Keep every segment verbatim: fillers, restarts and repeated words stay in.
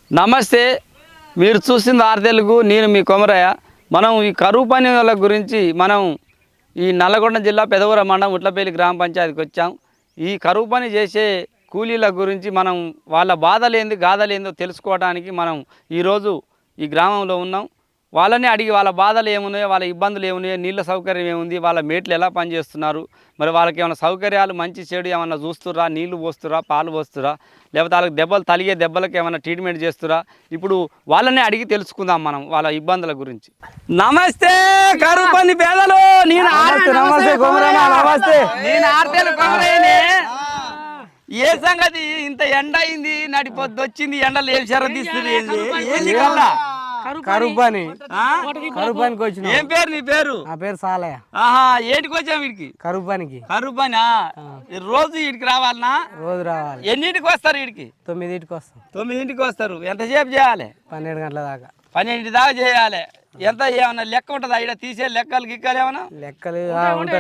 నమస్తే, మీరు చూసింది ఆరు తెలుగు. నేను మీ కొమరయ్య. మనం ఈ కరువు పని వాళ్ళ గురించి మనం ఈ నల్లగొండ జిల్లా పెదవూర మండలం ఉట్లపల్లి గ్రామ పంచాయతీకి వచ్చాం. ఈ కరువు పని చేసే కూలీల గురించి మనం వాళ్ళ బాధలేంది గాథలేందో తెలుసుకోవడానికి మనం ఈరోజు ఈ గ్రామంలో ఉన్నాం. వాళ్ళని అడిగి వాళ్ళ బాధలు ఏమున్నాయో, వాళ్ళ ఇబ్బందులు ఏమున్నాయో, నీళ్ళ సౌకర్యం ఏముంది, వాళ్ళ మేట్లు ఎలా పనిచేస్తున్నారు, మరి వాళ్ళకి ఏమైనా సౌకర్యాలు మంచి చెడు ఏమన్నా చూస్తురా, నీళ్లు పోస్తురా, పాలు పోస్తురా, లేకపోతే వాళ్ళకి దెబ్బలు తలిగే దెబ్బలకు ఏమైనా ట్రీట్మెంట్ చేస్తురా, ఇప్పుడు వాళ్ళని అడిగి తెలుసుకుందాం మనం వాళ్ళ ఇబ్బందుల గురించి. నమస్తే కరువు పని పేదలు. నేను నమస్తే నేను ఆర్తేలు కొమరయ్యనే. ఏ సంగతి ఇంత ఎండ అయింది, నడి పొద్దు వచ్చింది, ఎండలు ఏం షర తీస్తుంది ఏంది కల్లా కరువు పని కరువు పనికి వచ్చిన. ఏం పేరు నీ పేరు? నా పేరు సాలయ్య. ఆహా, ఏంటికి వచ్చావు వీడికి? కరువు పనికి. కరువు పని రోజు వీడికి రావాలనా? రోజు రావాలి. ఎన్నింటికి వస్తారు వీడికి? తొమ్మిదింటికి వస్తాం. తొమ్మిదింటికి వస్తారు. ఎంతసేపు చేయాలి? పన్నెండు గంటల దాకా. పన్నెండింటి దాకా చేయాలి. ఎంత ఏమన్నా లెక్క ఉంటుందా ఇక్కడ తీసే లెక్కలు గిక్కలు ఏమన్నా? లెక్కలు ఉంటాయి.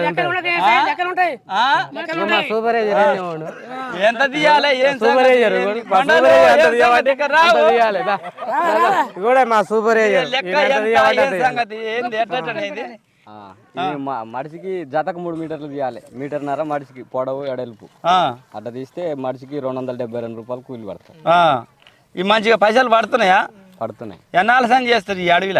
సూపర్వైజర్ ఎంత తీయాలి? ఏం సూపర్వైజర్ కూడా మా సూపర్వైజర్ సంగతి ఏంది ఎట్లనేది? మడిసికి జతకు మూడు మీటర్లు తీయాలి. మీటర్న్నర మడిసికి పొడవు ఎడల్పు అట్లా తీస్తే మడిసికి రెండు వందల డెబ్బై రెండు రూపాయలు కూలి పడతాయి. ఈ మంచిగా పైసలు పడుతున్నాయా? పడుతున్నాయి. ఎన్నాళ్ళు సంగతి చేస్తారు ఈ అడవిలా?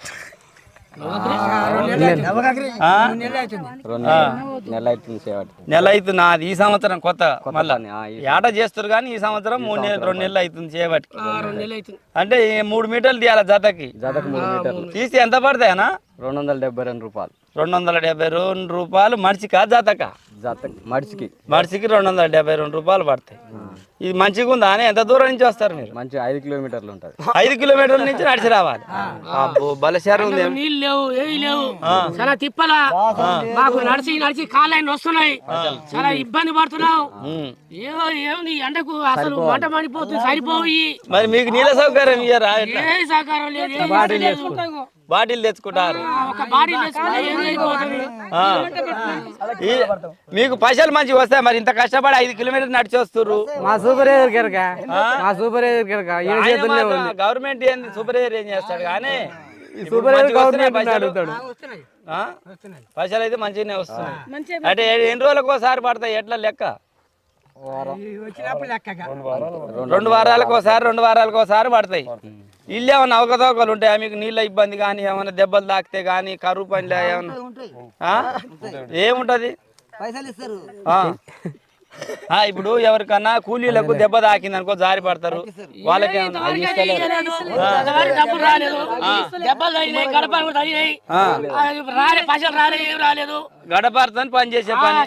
నెల అవుతుంది సేవటి. నెల అవుతుంది. అది ఈ సంవత్సరం కొత్త మళ్ళా ఏట చేస్తారు కానీ ఈ సంవత్సరం మూడు నెలలు రెండు నెలలు అవుతుంది చేయబట్టి. అంటే మూడు మీటర్లు తీయాలి జతకి. జతకు మూడు మీటర్లు తీసి ఎంత పడతాయనా? రెండు వందల డెబ్బై రెండు రూపాయలు. రెండు వందల డెబ్బై రెండు రూపాయలు మడిచికా జతకా? జత మడిసికి మడిసికి రెండు వందల డెబ్బై రెండు రూపాయలు పడతాయి. ఇది మంచిగా ఉందా? అని ఎంత దూరం నుంచి వస్తారు మీరు? మంచి ఐదు కిలోమీటర్లు ఉంటుంది. ఐదు కిలోమీటర్ల నుంచి నడిచి రావాలి. బలశారం ఉంది. నీళ్ళు లేవు, ఏవి లేవు, చాలా తిప్పలా. మాకు నడిచి నడిచి కాళ్ళని వస్తున్నాయి, చాలా ఇబ్బంది పడుతున్నావు. ఏమో ఏముంది ఎండకు అసలు మంట మండిపోతుంది, సరిపోయి. మరి మీకు నీళ్ళ సౌకర్యం ఇయ్యరా? ఏ సహకారం లేదు. బాటిల్ తెచ్చుకుంటారు. ఒక బాటిల్ తెచ్చుకుంటే ఏం అయిపోతుంది. మీకు పైసలు మంచిగా వస్తాయి. మరి ఇంత కష్టపడి ఐదు కిలోమీటర్లు నడిచి వస్తారు. మా సూపర్వైజర్ కెరక మా సూపర్వైజర్ కెరక గవర్నమెంట్ ఏంది, సూపర్వైజర్ ఏం చేస్తాడు కానీ అడుగుతాడు. పైసలు అయితే మంచిగానే వస్తున్నాయి. అంటే ఎన్ని రోజులకు ఒకసారి పడతాయి? ఎట్లా లెక్క? రెండు వారాలకు ఒకసారి రెండు వారాలకు ఒకసారి పడతాయి. ఇల్లు ఏమన్నా అవకతవకలు ఉంటాయా మీకు? నీళ్ళ ఇబ్బంది కానీ ఏమన్నా దెబ్బలు తాకితే కానీ కరువు పనిలో ఏమన్నా ఏముంటది? ఇప్పుడు ఎవరికన్నా కూలీలకు దెబ్బ తాకింది అనుకో, జారి పడతారు. వాళ్ళకి గడపారుతో పని చేసే పని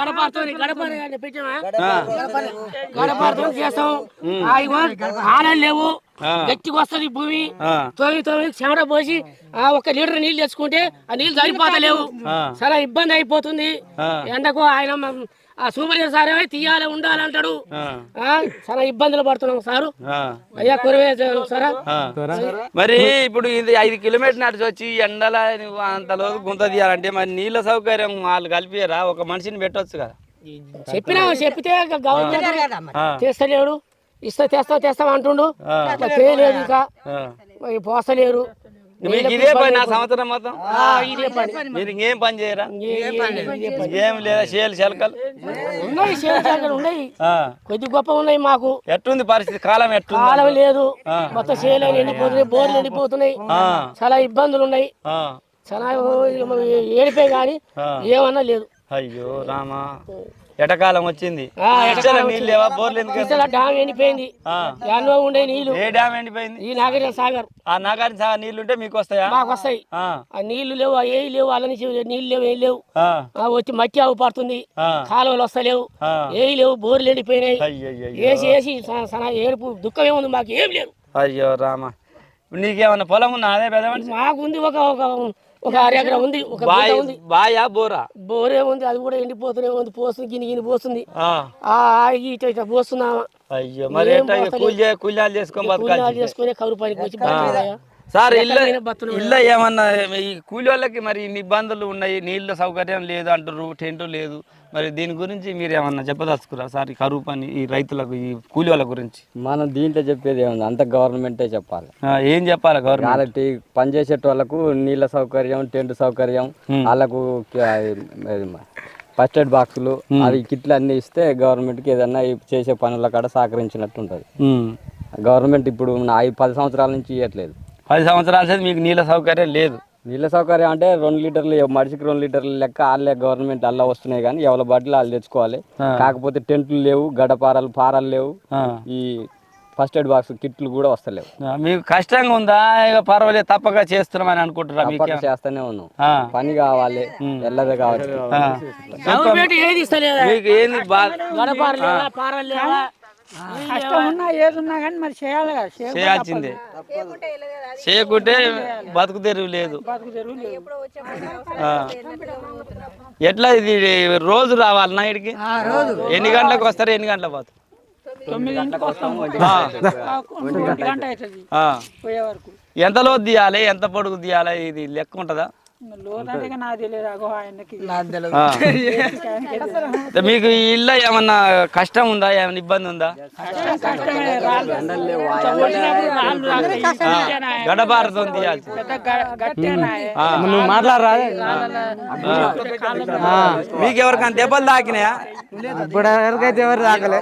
ఆనలు లేవు, గట్టికి వస్తుంది భూమి. తొమ్మిది తొమ్మిది చెమట పోసి ఒక లీటర్ నీళ్ళు తెచ్చుకుంటే ఆ నీళ్ళు సరిపోతలేవు, చాలా ఇబ్బంది అయిపోతుంది. ఎండకు ఆయన ఆ సూపర్వైజర్ సార్ ఏమో తీయాలి ఉండాలంటాడు. చాలా ఇబ్బందులు పడుతున్నాం సారు. అయ్యా కురవే సారా. మరి ఇప్పుడు ఇది ఐదు కిలోమీటర్ నడిచి వచ్చి ఎండల అంతలో గుంత తీయాలంటే మరి నీళ్ళ సౌకర్యం వాళ్ళు కలిపియరా? ఒక మనిషిని పెట్టవచ్చు కదా? చెప్పినా చెప్పితే గవర్నమెంట్ చేస్తలేడు. ఇస్తా తెస్తా తెస్తాం అంటుండు, చేయలేదు. ఇంకా పోస్తలేరు. ఇదే పని నా సంవత్సరం మొత్తం? ఇదే పని. మీరు ఇంకేం పని చేయరా? ఏం లేదా? చేయాలి చెలకలు ఉన్నాయి, చేయాలి ఉన్నాయి, కొద్ది గొప్ప ఉన్నాయి మాకు. ఎట్టుంది పరిస్థితి? కాలం ఎట్టుంది? కాలం లేదు, మొత్తం చేయాలి ఎండిపోతున్నాయి, బోర్లు ఎండిపోతున్నాయి, చాలా ఇబ్బందులు ఉన్నాయి. చాలా ఏడిపోయి కానీ ఏమన్నా లేదు. అయ్యో రామా, ఎటకాలం వచ్చింది. డ్యామ్ ఎండిపోయింది, ఎన్నో ఉండే నీళ్లు. ఏ డ్యామ్ ఎండిపోయింది? ఈ నాగార్జున సాగర్. ఆ నాగార్జున సాగర్ నీళ్లు ఉంటే మీకు వస్తాయా? మాకు వస్తాయి. ఆ నీళ్లు లేవు, ఏ లేవు, అలా నీళ్లు లేవు, ఏం లేవు. వచ్చి మట్టి అవు పడుతుంది, కాలువలు వస్తలేవు, ఏ లేవు, బోర్లు ఎండిపోయినాయి. వేసి వేసి ఏడుపు దుఃఖం ఏముంది, మాకు ఏం లేదు. అయ్యో రామా, నీకేమన్నా పొలం ఉన్నా? అదే పెద్ద మాకు ఉంది, ఒక ఒక అర ఎకరం ఉంది. ఒక బాయా బోరా? బోరే ఉంది, అది కూడా ఎండిపోతూనే ఉంది, పోస్తుంది, గిని గిని పోస్తుంది. ఇటు ఇట్లా పోస్తున్నామా? అయ్యో, మరి కూలీలు చేసుకొని చేసుకునే కరువు పనికి వచ్చి సార్ ఇల్లు ఎక్కడ బతులు ఇల్లు ఏమన్నా ఈ కూలి వాళ్ళకి మరి ఇన్ని ఇబ్బందులు ఉన్నాయి, నీళ్ళ సౌకర్యం లేదు అంటారు, టెంట్ లేదు, మరి దీని గురించి మీరు ఏమన్నా చెప్పదలుచుకురా సార్? ఈ కరువు పని ఈ రైతులకు ఈ కూలి వాళ్ళ గురించి మనం దీంట్లో చెప్పేది ఏముంది, అంత గవర్నమెంటే చెప్పాలి. ఆ, ఏం చెప్పాలి గవర్నమెంట్? వాళ్ళకి పనిచేసేట వాళ్ళకు నీళ్ళ సౌకర్యం, టెంట్ సౌకర్యం, వాళ్ళకు ఫస్ట్ ఎయిడ్ బాక్సులు, అవి కిట్లు అన్ని ఇస్తే గవర్నమెంట్కి ఏదన్నా ఈ చేసే పనుల కాడ సహకరించినట్టు ఉంటుంది. గవర్నమెంట్ ఇప్పుడు నా ఐదు పది సంవత్సరాల నుంచి ఇవ్వట్లేదు. పది సంవత్సరాల సేపు మీకు నీళ్ళ సౌకర్యం లేదు. నీళ్ళ సౌకర్యం అంటే రెండు లీటర్లు మనిషికి రెండు లీటర్లు లెక్క వాళ్ళే గవర్నమెంట్ అలా వస్తున్నాయి, కానీ ఎవరి బాటిల్ వాళ్ళు తెచ్చుకోవాలి. కాకపోతే టెంట్లు లేవు, గడపారాలు పారాలు లేవు, ఈ ఫస్ట్ ఎయిడ్ బాక్స్ కిట్లు కూడా వస్తలేవు. మీకు కష్టంగా ఉందా? ఇక పర్వాలేదు తప్పక చేస్తున్నామని అనుకుంటున్నా? తప్పక చేస్తూనే ఉన్నాం. పని కావాలి, ఎల్లదే కావాలి. గవర్నమెంట్ ఏది ఇస్తలేదా? మీకు ఏంది బాధ? గడపారు లేవా, పారాలు లేవా? కష్టం ఉన్నా ఏది ఉన్నా కానీ మరి చేయాలి కదా, చేయాల్సిందే. చేయకుంటే బతుకు తెరువు లేదు. ఆ. ఎట్లా ఇది రోజు రావాలి నైట్కి? ఎన్ని గంటలకు వస్తారు, ఎన్ని గంటలకు పోతారు? తొమ్మిదింటికి వస్తాం, ఆ. ఒంటి గంట అవుతుంది ఆ. పోయే వరకు. ఎంత లోతు తీయాలి, ఎంత పొడుగు తీయాలి, ఇది లెక్క ఉంటుందా? లోదంటే నాకు తెలియదు, అగో ఆయనకి ఆ. మీకు ఈ ఇల్లు ఏమన్నా కష్టం ఉందా, ఏమన్నా ఇబ్బంది ఉందా? గడపారతో తీయాల్సి. నువ్వు మాట్లాడరా? మీకు ఎవరికైనా దెబ్బలు తాకినాయా? ఇప్పుడు ఎవరికైతే ఎవరు తాకలే,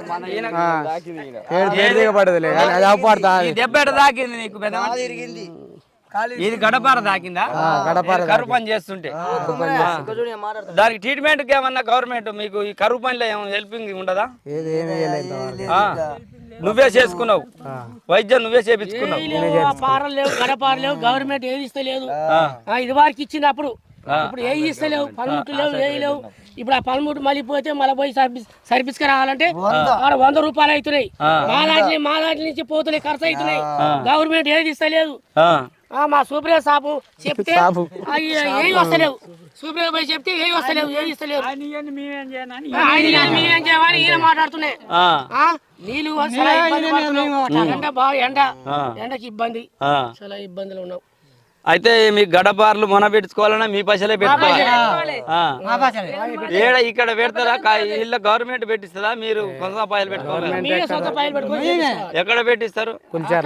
పడదులే, అది అవపడతా. ఈ దెబ్బ ఎట తాకింది నీకు? పెద్ద ఇది గడపార తాకిందా? కరువు పని చేస్తుంటే దానికి ట్రీట్మెంట్ ఏమన్నా గవర్నమెంట్ మీకు ఈ కరువు పనిలో ఏమన్నా హెల్పింగ్ ఉండదా? ఆ, నువ్వే చేసుకున్నావు వైద్యం, నువ్వే చేపించుకున్నావు. పారలు లేవు, గడపారు లేవు, గవర్నమెంట్ ఏది ఇస్తలేదు. ఇది వారికి ఇచ్చింది అప్పుడు, ఇప్పుడు ఏది ఇస్తలేవు, పనిముట్లు లేవు, ఏవి లేవు. ఇప్పుడు ఆ పనిముట్టు మళ్ళీ పోతే మళ్ళీ పోయి సర్వీస్ సర్వీస్ కి రావాలంటే ఆడ వంద రూపాయలు అవుతున్నాయి. మాలాంటి మాలాంటి నుంచి పోతున్నాయి, ఖర్చు అవుతున్నాయి. గవర్నమెంట్ ఏది ఇస్తలేదు. మా సూపర్ సాబు చెప్తే ఏవి వస్తలేవు, సూపర్ పోయి చెప్తే ఏవి వస్తలేవు, ఏవి ఇస్తలేవు. మేమేం చేయనని మేమేం చేయమని ఈయన మాట్లాడుతున్నాయి. నీళ్ళు చాలా ఇబ్బంది పడుతున్నాం. ఎండ బాగా ఎండ, ఎండకి ఇబ్బంది, చాలా ఇబ్బందులు ఉన్నాం. అయితే మీ గడపార్లు మొన పెట్టుకోవాలన్నా మీ పైసలే పెట్టుకోవాలి. ఏడ ఇక్కడ పెడతారా? ఇళ్ళ గవర్నమెంట్ పెట్టిస్తుందా? మీరు కొంత రూపాయలు పెట్టుకోవాలి. ఎక్కడ పెట్టిస్తారు?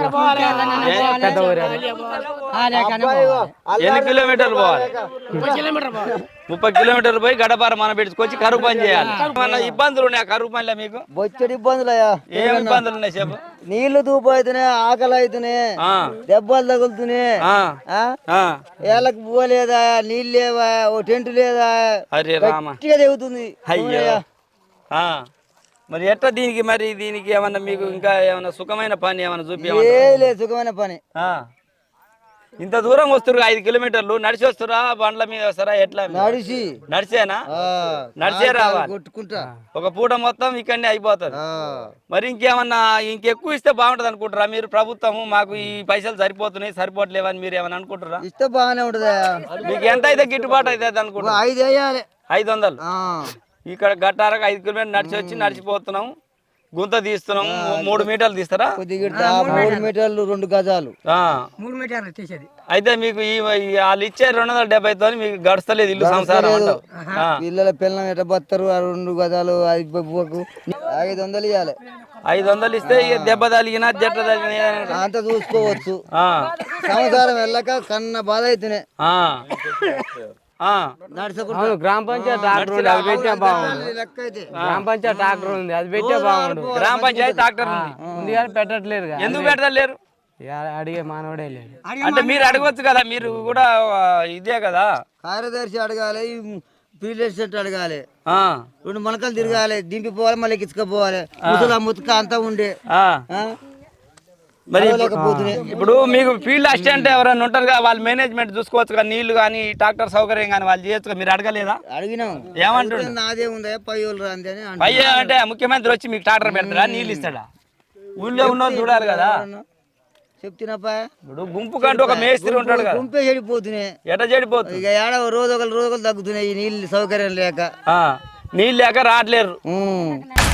ఎన్ని కిలోమీటర్లు పోవాలి? ముప్పై కిలోమీటర్లు పోయి గడపార మన పెట్టుకొచ్చి కరువు పని చేయాలి. ఏమన్నా ఇబ్బందులు ఉన్నాయా కరువు పనిలో మీకు? బొచ్చడి ఇబ్బందులయ్యా. ఏం ఇబ్బందులు ఉన్నాయి చెప్పు? నీళ్లు దూపు అవుతున్నాయి, ఆకలి అవుతున్నాయి, దెబ్బలు తగులుతున్నాయి, ఏళ్ళకి పోలేదా, నీళ్ళు లేవా, ఓ టెంట్ లేదా, అరే రామ తెగుతుంది. అయ్యో. మరి ఎట్లా దీనికి మరి దీనికి ఏమన్నా మీకు ఇంకా ఏమన్నా సుఖమైన పని ఏమన్నా చూపి? ఏది లేదు సుఖమైన పని. ఇంత దూరం వస్తారు, ఐదు కిలోమీటర్లు నడిచి వస్తారా, బండ్ల మీద వస్తారా, ఎట్లా? నడిచి నడిచేనా? నడిచే రావాలి. కొట్టుకుంటా ఒక పూట మొత్తం ఇక్కడనే అయిపోతుంది. మరి ఇంకేమన్నా ఇంకెక్కువ ఇస్తే బాగుంటది అనుకుంటారా మీరు? ప్రభుత్వము మాకు ఈ పైసలు సరిపోతున్నాయి, సరిపోవట్లేవని మీరు ఏమన్నా అనుకుంటారా? ఇస్తే బాగానే ఉంటదా? మీకు ఎంత అయితే గిట్టుబాటు అవుతుంది అనుకుంటా? ఐదు వేయాలి. ఐదు వందలు ఇక్కడ గట్టారకు ఐదు కిలోమీటర్లు నడిచి వచ్చి నడిచిపోతున్నాం, గుంత తీస్తున్నాం. మూడు మీటర్లు తీస్తారా? మూడు మీటర్లు రెండు గజాలు, మూడు మీటర్లు తీసేది. అయితే మీకు ఈ వాళ్ళు ఇచ్చే రెండు వందల డెబ్బై తో మీకు గడుస్తలేదు ఇల్లు సంసారం అంటావు. పిల్లల పిల్లలు ఎట్ట బతారు? ఆ రెండు గజాలు ఐదు వందలు ఇవ్వాలి. ఐదు వందలు ఇస్తే ఇక దెబ్బ తగిలినా జట్ట తగిలినా అంత చూసుకోవచ్చు. సంవత్సరం వెళ్ళక కన్న బాధ అవుతున్నాయి. గ్రామ పంచాయతీ ట్రాక్టర్ ఉంది, అది పెట్టే బాగుండు. గ్రామ పంచాయతీ ట్రాక్టర్ ఉంది, అది పెట్టే బాగుండు. గ్రామ పంచాయతీ ట్రాక్టర్ ఉంది ఉంది కానీ పెట్టట్లేరు. ఎందుకు పెట్టలేరు? అడిగే మానవుడే లేదు. అంటే మీరు అడగవచ్చు కదా, మీరు కూడా ఇదే కదా. కార్యదర్శి అడగాలి, ఫీల్డ్ అడగాలి, రెండు మొలకలు తిరగాలి, దింపిపోవాలి, మళ్ళీ ఎక్కించుకోపోవాలి. ముసలా ముతుక అంతా ఉండే. మరి ఇప్పుడు మీకు ఫీల్డ్ అసిస్టెంట్ ఎవరైనా ఉంటారు కదా, వాళ్ళు మేనేజ్మెంట్ చూసుకోవచ్చు కదా, నీళ్లు కానీ ట్రాక్టర్ సౌకర్యం కానీ వాళ్ళు చేయొచ్చు కదా. మీరు అడగలేదా? అడిగినాం. ఏమంటారు? నాదే ఉందా పై వాళ్ళు రాంది అని. పై అంటే ముఖ్యమంత్రి వచ్చి మీకు ట్రాక్టర్ పెడతారా, నీళ్ళు ఇస్తాడా? ఊళ్ళో ఉన్న చూడాలి కదా. చెప్తున్నాపా, ఇప్పుడు గుంపు కంటూ ఒక మేస్త్రి ఉంటాడు కదా. గుంపే చెడిపోతున్నాయి. ఎట చెడిపోతుంది? ఇక ఏడ రోజు ఒకరు రోజు ఒకరు తగ్గుతున్నాయి ఈ నీళ్ళు సౌకర్యం లేక. నీళ్ళు లేక రావట్లేరు.